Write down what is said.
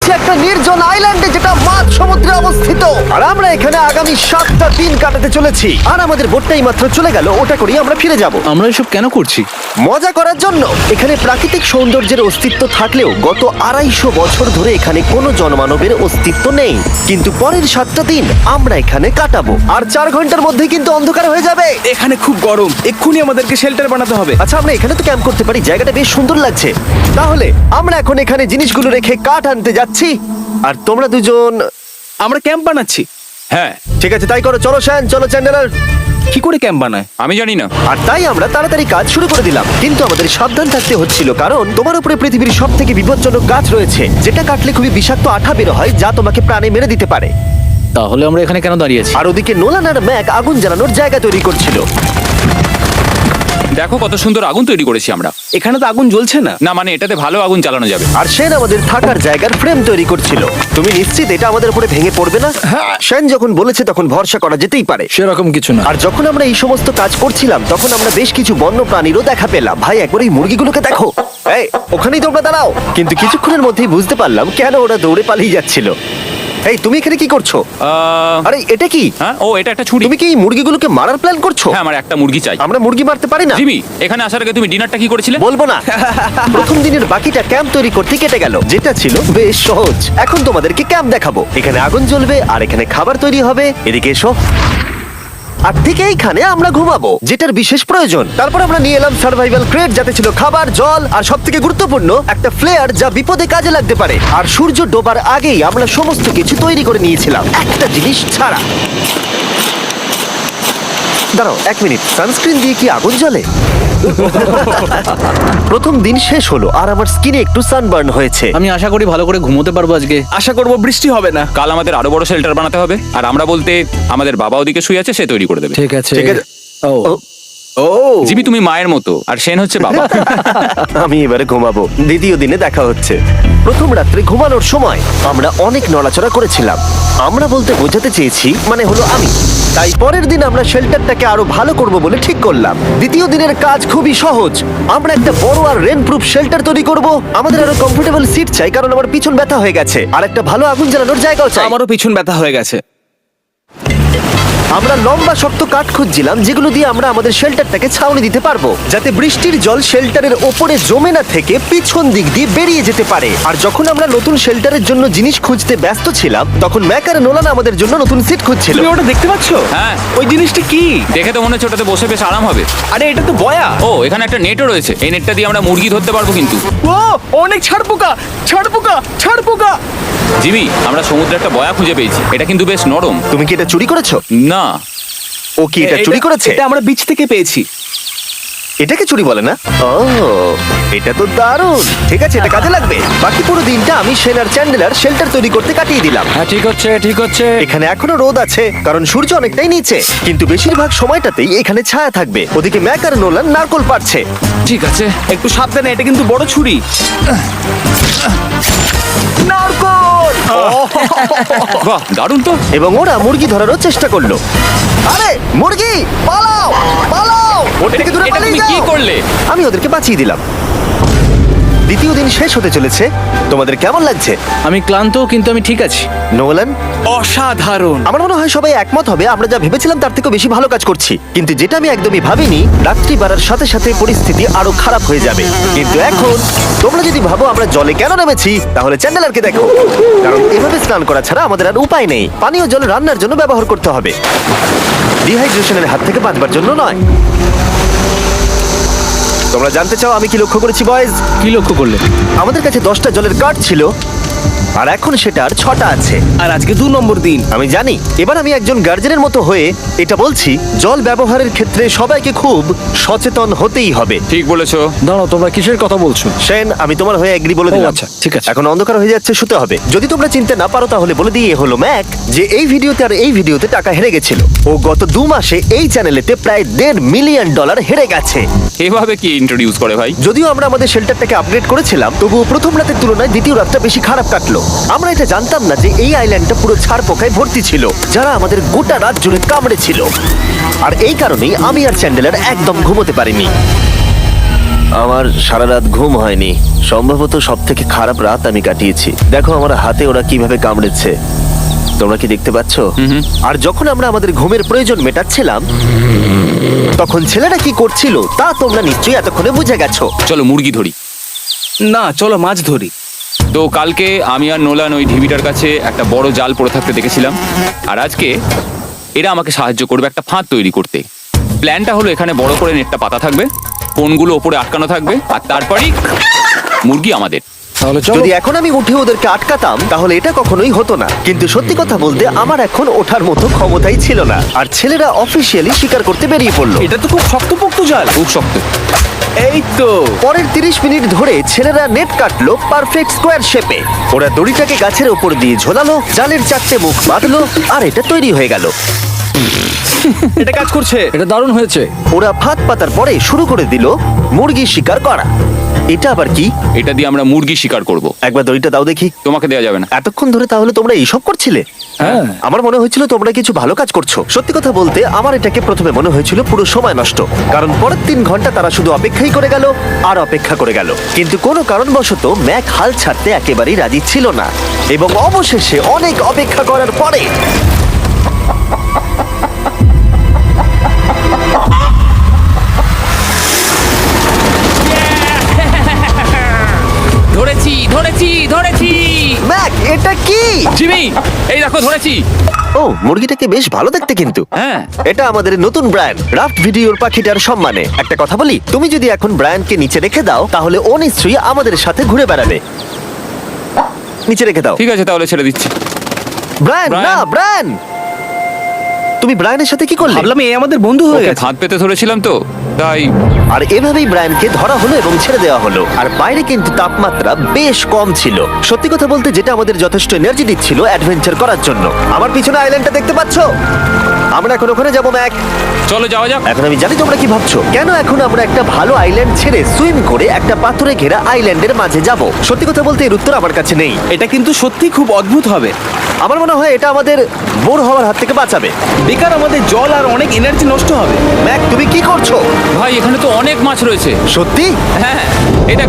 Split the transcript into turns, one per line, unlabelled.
একটা নির্জন আইল্যান্ডে যেটা মাঝ সমুদ্রে অবস্থিত। আর আমরা এখানে আগামী 7টা দিন কাটাতে চলেছি। আর আমাদের বোটটাই মাত্র চলে গেল, ওটা করেই আমরা ফিরে যাব
আমরা এসব কেন করছি?
মজা করার জন্য। এখানে প্রাকৃতিক সৌন্দর্যের অস্তিত্ব থাকলেও গত 250 বছর ধরে এখানে কোনো জনমানবের অস্তিত্ব নেই। কিন্তু পরের 7টা দিন আমরা এখানে কাটাবো, আর 4 ঘন্টার মধ্যে কিন্তু অন্ধকার হয়ে যাবে।
এখানে খুব গরম, এক্ষুনি আমাদেরকে শেল্টার বানাতে হবে।
আচ্ছা, আমরা এখানে তো ক্যাম্প করতে পারি, জায়গাটা বেশ সুন্দর লাগছে। তাহলে আমরা এখন এখানে জিনিসগুলো রেখে কাঠ আনতে যাচ্ছি, আর তোমরা দুজন।
আমরা ক্যাম্প বানাচ্ছি।
হ্যাঁ,
ঠিক আছে, তাই করো। চলো শ্যান, চলো চ্যান্ডেলার।
কি করে ক্যাম্প বানায়?
আমি জানি না।
আর তাই আমরা তাড়াতাড়ি কাজ শুরু করে দিলাম, কিন্তু আমাদের সাবধান থাকতে হচ্ছিল, কারণ তোমার উপরে পৃথিবীর সব থেকে বিপজ্জনক গাছ রয়েছে, যেটা কাটলে খুবই বিষাক্ত আঠা বের হয়, যা তোমাকে প্রাণে মেরে দিতে পারে।
তাহলে আমরা এখানে কেন দাঁড়িয়ে আছি?
আর ওদিকে নোলান আর ম্যাক আগুন জ্বালানোর জায়গা তৈরি করছিল।
দেখো কত সুন্দর আগুন তৈরি করেছি আমরা।
এখানে তো আগুন জ্বলছে না।
না মানে এটাতে ভালো আগুন জ্বালানো যাবে।
আর সেন আমাদের থাকার জায়গার ফ্রেম তৈরি করছিল। তুমি নিশ্চিত এটা আমাদের উপরে ভেঙে পড়বে না? সেন যখন বলেছে তখন ভরসা করা যেতেই পারে।
সেরকম কিছু না।
আর যখন আমরা এই সমস্ত কাজ করছিলাম তখন আমরা বেশ কিছু বন্য প্রাণীরও দেখা পেলাম। ভাই, একবার এই মুরগিগুলোকে দেখো। এই, ওখানেই তোমরা দাঁড়াও। কিন্তু কিছুক্ষণের মধ্যেই বুঝতে পারলাম কেন ওরা দৌড়ে পালিয়ে যাচ্ছিল। এই, তুমি এখানে কি করছো? আরে এটা কি?
হ্যাঁ, ও এটা একটা ছুরি।
তুমি কি এই মুরগিগুলোকে মারার প্ল্যান করছো?
হ্যাঁ, আমার একটা মুরগি চাই।
আমরা মুরগি মারতে পারি না।
জিমি, এখানে আসার আগে তুমি ডিনারটা কি করেছিলে?
বলবো না। প্রথম দিনের বাকিটা ক্যাম্প তৈরি করতে কেটে গেল, যেটা ছিল বেশ সহজ। এখন তোমাদেরকে ক্যাম্প দেখাবো। এখানে আগুন জ্বলবে আর এখানে খাবার তৈরি হবে। এদিকে এসো। আর ঠিক এইখানে আমরা ঘুমাবো, যেটার বিশেষ প্রয়োজন। তারপর আমরা নিয়ে এলাম সার্ভাইভাল ক্রেট, যাতে ছিল খাবার, জল আর সবথেকে গুরুত্বপূর্ণ একটা ফ্লেয়ার, যা বিপদে কাজে লাগতে পারে। আর সূর্য ডোবার আগেই আমরা সমস্ত কিছু তৈরি করে নিয়েছিলাম, একটা জিনিস ছাড়া। দাঁড়াও 1 মিনিট, সানস্ক্রিন দিয়ে কি আগুন জ্বলে? প্রথম দিন শেষ হলো আর আমার স্কিনে একটু সানবার্ন হয়েছে।
আমি আশা করি ভালো করে ঘুমোতে পারবো আজকে।
আশা করব বৃষ্টি হবে না।
কাল আমাদের আরো বড় শেল্টার বানাতে হবে, আর আমরা বলতে আমাদের বাবা ওদিকে শুয়ে আছে, সে তৈরি করে দেবে।
ঠিক আছে।
ঠিক আছে।
ও
ও,
ও
জিমি তুমি মায়ের মতো, আর সেন হচ্ছে বাবা।
আমি এবারে ঘুমাবো। দ্বিতীয় দিনে দেখা হচ্ছে। প্রথম রাত্রে ঘুমানোর সময় আমরা অনেক নড়াচড়া করেছিলাম। আমরা বলতে বোঝাতে চেয়েছি, মানে হলো আমি। তাই পরের দিন আমরা শেল্টারটাকে আরো ভালো করব বলে ঠিক করলাম। দ্বিতীয় দিনের কাজ খুবই সহজ। আমরা একটা বড় আর রেন প্রুফ শেল্টার তৈরি করব। আমাদের আরো কমফোর্টেবল সিট চাই, কারণ আমার পিছন ব্যথা হয়ে গেছে। আর একটা ভালো আগুন জ্বালানোর জায়গাও চাই।
আমারও পিছন ব্যথা হয়ে গেছে।
আমরা লম্বা শক্ত কাঠ খুঁজছিলাম, যেগুলো দিয়ে আমরা আমাদের শেল্টারটাকে ছাউনি দিতে পারবো, যাতে বৃষ্টির জল শেল্টারের ওপরে জমে না থেকে পিছন দিক দিয়ে বেরিয়ে যেতে পারে। আর যখন আমরা নতুন শেল্টারের জন্য জিনিস খুঁজতে ব্যস্ত ছিলাম, তখন ম্যাক আর নোলান আমাদের জন্য নতুন সিট খুঁজছিল।
তুমি ওটা দেখতে পাচ্ছো?
হ্যাঁ।
ওই জিনিসটা কি?
দেখে তো মনে হচ্ছে ওটাতে বসে বেশ আরাম হবে।
আরে এটা তো বয়া।
ও, এখানে একটা নেটও রয়েছে। এই নেটটা দিয়ে আমরা মুরগি ধরতে পারবো। কিন্তু
ও অনেক ছাড় পোকা, ছাড় পোকা, ছাড় পোকা।
জিমি, আমরা সমুদ্রে একটা বয়া খুঁজে পেয়েছি। এটা কিন্তু বেশ নরম।
তুমি কি এটা চুরি করেছো?
না।
ও কি এটা চুরি করেছে?
এটা আমরা বিচ থেকে পেয়েছি।
এটাকে চুরি বলে না? ও, এটা তো দারুণ। ঠিক আছে, এটা কাজে লাগবে। বাকি পুরো দিনটা আমি সেন আর চ্যান্ডেলার শেল্টার তৈরি করতে কাটিয়ে দিলাম।
হ্যাঁ, ঠিক হচ্ছে, ঠিক হচ্ছে।
এখানে এখনো রোদ আছে, কারণ সূর্য অনেকটাই নিচে, কিন্তু বেশিরভাগ সময়টাতেই এখানে ছায়া থাকবে। ওদিকে ম্যাক আর নোলান নারকোল পাড়ছে।
ঠিক আছে।
একটু সাবধানে, এটা কিন্তু বড় ছুরি। নারকোল।
বাহ, দারুণ তো।
এবং ওরা মুরগি ধরারও চেষ্টা করলো। আরে মুরগি, পালাও পালাও, ওর থেকে দূরে
এটা
পালিয়ে
তুমি কি
যাও।
করলে?
আমি ওদেরকে বাঁচিয়ে দিলাম। দ্বিতীয় দিন শেষ হতে চলেছে। তোমাদের কেমন লাগছে?
আমি ক্লান্ত, কিন্তু আমি ঠিক আছি।
নোলান?
অসাধারণ।
আমার মনে হয় সবাই একমত হবে, আমরা যা ভেবেছিলাম তার থেকে বেশি ভালো কাজ করছি। কিন্তু যেটা আমি একদমই ভাবিনি, রাত্রি বাড়ার সাথে সাথে পরিস্থিতি আরো খারাপ হয়ে যাবে। কিন্তু এখন তোমরা যদি ভাবো আমরা জলে কেন নেমেছি, তাহলে চ্যান্ডেলারকে দেখো। কারণ এভাবে স্নান করা ছাড়া আমাদের আর উপায় নেই। পানীয় জল রান্নার জন্য ব্যবহার করতে হবে, ডিহাইড্রেশনের হাত থেকে বাঁচবার জন্য নয়। তোমরা জানতে চাও আমি কি লক্ষ্য করেছি বয়েজ?
কি লক্ষ্য করলে?
আমাদের কাছে 10টা জলের কার্ড ছিল, আর এখন সেটা আর 6টা আছে।
আর আজকে 2 নম্বর দিন।
আমি জানি। এবার আমি একজন গার্জেনের মতো হয়ে এটা বলছি, জল ব্যবহারের ক্ষেত্রে সবাইকে খুব সচেতন হতেই হবে।
ঠিক বলেছো।
দাঁড়াও, তোমরা কিসের কথা বলছো?
সেন, আমি তোমার হয়ে এগ্রি বলে দিলাম।
আচ্ছা, ঠিক আছে।
এখন অন্ধকার হয়ে যাচ্ছে, শুতে হবে। যদি তোমরা চিনতে না পারো তাহলে বলে দিয়ে হলো ম্যাক যে এই ভিডিওতে আর এই ভিডিওতে টাকা হেরে গেছিল। ও গত 2 মাসে এই চ্যানেলেতে প্রায় $1.5 মিলিয়ন হেরে গেছে।
এভাবে কি ইন্ট্রোডিউস করে ভাই?
যদিও আমরা আমাদের শেল্টারটাকে আপগ্রেড করেছিলাম, তবুও প্রথম রাতের তুলনায় দ্বিতীয় রাতটা বেশি খারাপ কাটলো। আমরা এটা জানতাম না যে এই আইল্যান্ডটা পুরো ছাড় পোকায় ভর্তি ছিল, যারা আমাদের গোটা রাত জুড়ে কামড়েছিল। আর এই কারণেই আমি আর চ্যান্ডেলার একদম ঘুমোতে পারিনি। আমার সারা রাত ঘুম হয়নি, সম্ভবত সব থেকে খারাপ রাত আমি কাটিয়েছি। দেখো আমার হাতে ওরা কিভাবে কামড়েছে, তোমরা কি দেখতে পাচ্ছ? আর যখন আমরা আমাদের ঘুমের প্রয়োজন মেটাচ্ছিলাম, তখন ছেলেরা কি করছিল তা তোমরা নিশ্চয়ই এতক্ষণে বুঝে গেছো।
চলো মুরগি ধরি।
না, চলো মাছ ধরি।
তো কালকে আমি আর নোলান ওই ঢিবিটার কাছে একটা বড় জাল পড়ে থাকতে দেখেছিলাম, আর আজকে এরা আমাকে সাহায্য করবে একটা ফাঁদ তৈরি করতে। প্ল্যানটা হলো এখানে বড় করে নেটটা পাতা থাকবে, কোনগুলো ওপরে আটকানো থাকবে, আর তারপরেই মুরগি আমাদের।
তাহলে চলো।
যদি এখন আমি উঠে ওদেরকে আটকাতাম তাহলে এটা কখনোই হতো না, কিন্তু সত্যি কথা বলতে আমার এখন ওঠার মতো ক্ষমতাই ছিল না। আর ছেলেরা অফিসিয়ালি স্বীকার করতে বেরিয়ে পড়লো।
এটা তো খুব শক্তপোক্ত জাল।
খুব শক্ত।
এই তো।
পরের 30 মিনিট ধরে ছেলেরা নেট কাটলো পারফেক্ট স্কোয়ার শেপে। ওরা দড়িটাকে গাছের উপর দিয়ে ঝোলালো, জালের 4টে মুখ বাঁধলো, আর এটা তৈরি হয়ে গেল।
এটা কাজ করছে।
এটা দারুণ হয়েছে।
ওরা ফাঁদ পাতার পরে শুরু করে দিল মুরগি শিকার করা। এটা আবার কি?
এটা দিয়ে আমরা মুরগি শিকার করব।
একবার দড়িটা দাও দেখি।
তোমাকে দেওয়া যাবে না।
এতক্ষণ ধরে তাহলে তোমরা এইসব করছিলে?
হ্যাঁ।
আমার মনে হয়েছিল তোমরা কিছু ভালো কাজ করছো। সত্যি কথা বলতে আমার এটাকে প্রথমে মনে হয়েছিল পুরো সময় নষ্ট, কারণ পরের 3 ঘন্টা তারা শুধু অপেক্ষাই করে গেল আর অপেক্ষা করে গেল। কিন্তু কোনো কারণবশত ম্যাক হাল ছাড়তে একেবারেই রাজি ছিল না, এবং অবশেষে অনেক অপেক্ষা করার পরে
ধরেছি ধরেছি ধরেছি।
ম্যাক, এটা কি?
জিমি, এই দেখো ধরেছি।
ও, মুরগিটাকে বেশ ভালো দেখতে কিন্তু।
হ্যাঁ।
এটা আমাদের নতুন ব্র্যান্ড রাফট ভিডিওর পাখিটার সম্মানে। একটা কথা বলি, তুমি যদি এখন ব্র্যান্ডকে নিচে রেখে দাও তাহলে ও নিশ্চয়ই আমাদের সাথে ঘুরে বেড়াবে। নিচে রেখে দাও।
ঠিক আছে, তাহলে ছেড়ে দিচ্ছি।
Brian,
Brian.
না ব্রায়ান, তুমি ব্রায়ানের সাথে কি করলে?
ভাবলাম এই আমাদের বন্ধু হয়ে
ওকে
গেছে।
ফাঁদ পেতে ধরেছিলাম তো, তাই।
আর এভাবেই ব্রায়ানকে ধরা হলো এবং ছেড়ে দেওয়া হলো। আর বাইরে কিন্তু তাপমাত্রা বেশ কম ছিল। সত্যি কথা বলতে যেটা আমাদের যথেষ্ট এনার্জি দিচ্ছিল অ্যাডভেঞ্চার করার জন্য। আমার পিছনে আইল্যান্ডটা দেখতে পাচ্ছো? আমরা এখন ওখানে যাবো ম্যাক।
চলো যাওয়া যাক।
এখন আমি জানি তোমরা কি ভাবছো, কেন এখন আমরা একটা ভালো আইল্যান্ড ছেড়ে সুইম করে একটা পাথরে ঘেরা আইল্যান্ডের মাঝে যাব? সত্যি কথা বলতে এর উত্তর আমার কাছে নেই।
এটা কিন্তু সত্যি খুব অদ্ভুত হবে।
আমার মনে হয় এটা আমাদের বোর হওয়ার হাত থেকে বাঁচাবে।
বেকার আমাদের জল আর অনেক এনার্জি নষ্ট হবে।
ম্যাক, তুমি কি করছো?
ভাই এখানে তো অনেক মাছ রয়েছে।
সত্যি?
হ্যাঁ, এটা